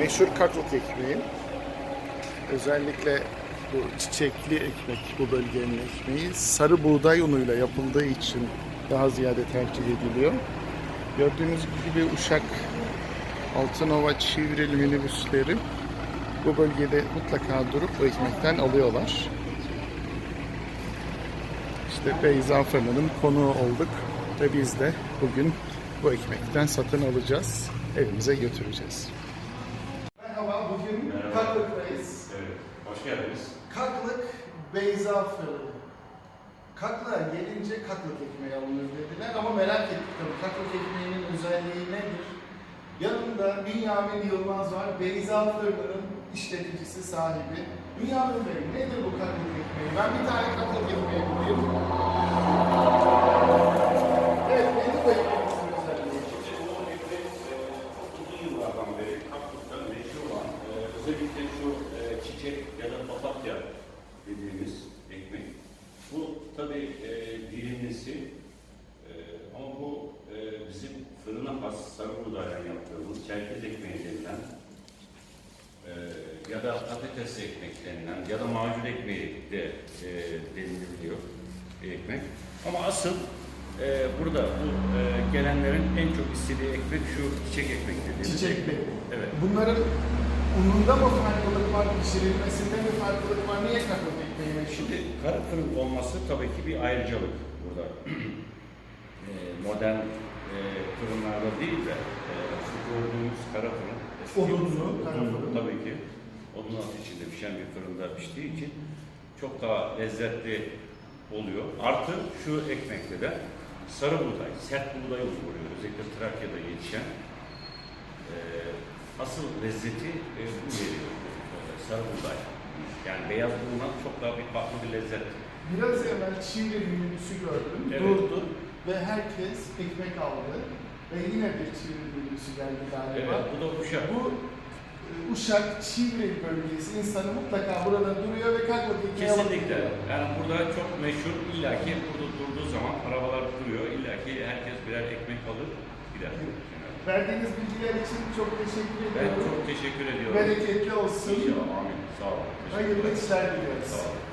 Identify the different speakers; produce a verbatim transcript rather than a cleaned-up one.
Speaker 1: meşhur kaklık ekmeği. Özellikle bu çiçekli ekmek, bu bölgenin ekmeği sarı buğday unuyla yapıldığı için daha ziyade tercih ediliyor. Gördüğünüz gibi Uşak Altınova Çivril minibüsleri bu bölgede mutlaka durup bu ekmekten alıyorlar. İşte Beyza Fırın'ın konuğu olduk ve biz de bugün bu ekmekten satın alacağız, evimize götüreceğiz. Merhaba, bugün Kaklık'tayız.
Speaker 2: Evet, hoş geldiniz.
Speaker 1: Kaklık Beyza Fırını. Kaklığa gelince kaklık ekmeği alınır dediler ama merak ettik tabii kaklık ekmeğinin özelliği nedir? Yanımda Bünyamin Yılmaz var, Beyza Fırın'ın işleticisi, sahibi. Bünyamin Bey, nedir bu kaklık ekmeği? Ben bir tane kaklık ekmeği bulayım. Evet, nedir bu ekmeğimizin özelliği?
Speaker 2: Bu ekmek çok uzun yıllardan beri Kaklık'tan meşhur olan, e, özellikle şu e, çiçek ya da papatya dediğimiz ekmek. Bu tabii e, dilimlisi e, ama bu e, bizim fırına has sarı buğdayla yaptığımız çerkez ekmeği denilen e, ya da patates ekmek denilen ya da macun ekmeği de e, deniliyor ekmek. Ama asıl e, burada bu e, gelenlerin en çok istediği ekmek şu çiçek ekmek dediğimiz.
Speaker 1: Çiçek ekmek.
Speaker 2: Evet.
Speaker 1: Bunların ununda mı farklılık var, pişirilmesinde mi farklılık var? Niye kaklık ekmeği meşhur?
Speaker 2: Şimdi kara fırın olması tabii ki bir ayrıcalık burada. e, modern e, fırınlarda değil de e, şu gördüğümüz kara fırın. eski
Speaker 1: Odunlu kara
Speaker 2: odunlu,
Speaker 1: fırın.
Speaker 2: Tabii ki. Odun altı içinde pişen bir fırında piştiği için çok daha lezzetli oluyor. Artı şu ekmekte de sarı buğday, sert buğday oluyor. Özellikle Trakya'da yetişen e, asıl lezzeti e, bu veriyor. Sarı buğday. Yani beyaz bulundan çok daha bir farklı bir lezzet.
Speaker 1: Biraz evvel Çiğli minibüsü gördüm,
Speaker 2: Evet.
Speaker 1: durdu ve herkes ekmek aldı. Ve yine bir Çiğli minibüsü geldi galiba.
Speaker 2: Evet, bu da Uşak.
Speaker 1: Bu e, Uşak, Çiğli bölgesi insanı mutlaka burada duruyor ve kaklık ekmeği alıp
Speaker 2: Kesinlikle.
Speaker 1: gidiyor.
Speaker 2: Yani burada çok meşhur, illaki burada durduğu zaman arabalar duruyor, illaki herkes birer ekmek alır gider.
Speaker 1: Verdiğiniz bilgiler için çok teşekkür
Speaker 2: Ben
Speaker 1: ediyorum.
Speaker 2: çok teşekkür ediyorum.
Speaker 1: Bereketli olsun.
Speaker 2: İnşallah, amin. Sağ olun. Teşekkürler.
Speaker 1: Hayırlı işler diliyoruz.
Speaker 2: Sağ olun.